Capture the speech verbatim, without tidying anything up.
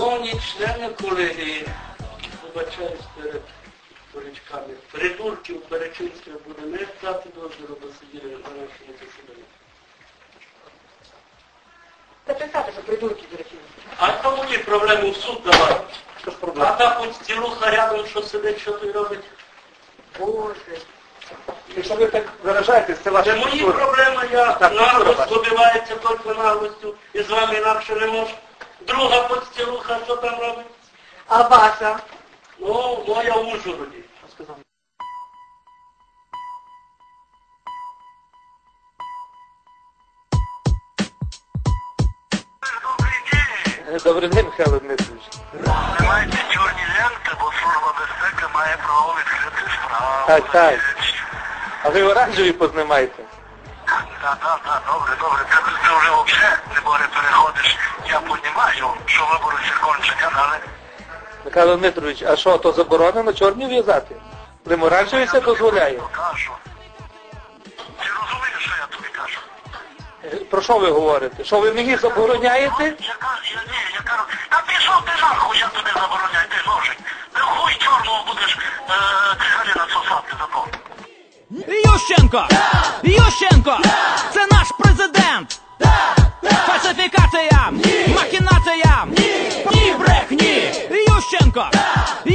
Шановні члени колегії, вибачаюсь перед дурачками, придурків перечинства буде не дати дозволу до сидіти на нашому засіданні. Та писати, що придурки перечинства. А то мої проблеми в суд давати. А так от стілуха рядом, що сидить, що той робить. Боже. Якщо ви так виражаєтесь, це ваша Це мої культура. проблеми, я Так, наглость культура добивається тільки наглостю, і з вами інакше не можу. Друга подстілуха, що там робить? А ваша? Ну, моя в Ужгороді. Добрий день, Михайло Дмитрович. Маєте чорні ленти, бо служба безпеки має право відкрити справу. Так, так. А ви оранжеві познімаєте? Так, так, так, добре, добре. Це, це вже взагалі, не боре, переходиш. Я понімаю, що вибори кончені, але... Михайло Дмитрович, а що, то заборонено чорні в'язати? Лим оранжеві це дозволяє? Я кажу. Ти розумієш, що я тобі кажу? Про що ви говорите? Що ви мені забороняєте? Я кажу, я ні, я кажу, та пішов ти нахуй, я тобі забороняю, ти ножик. Ти хуй чорного будеш е, цигарі насосати за то. Ющенко! Ющенко! Це наш президент! Фальсифікація! Махінація! Ні брехні! Ющенко!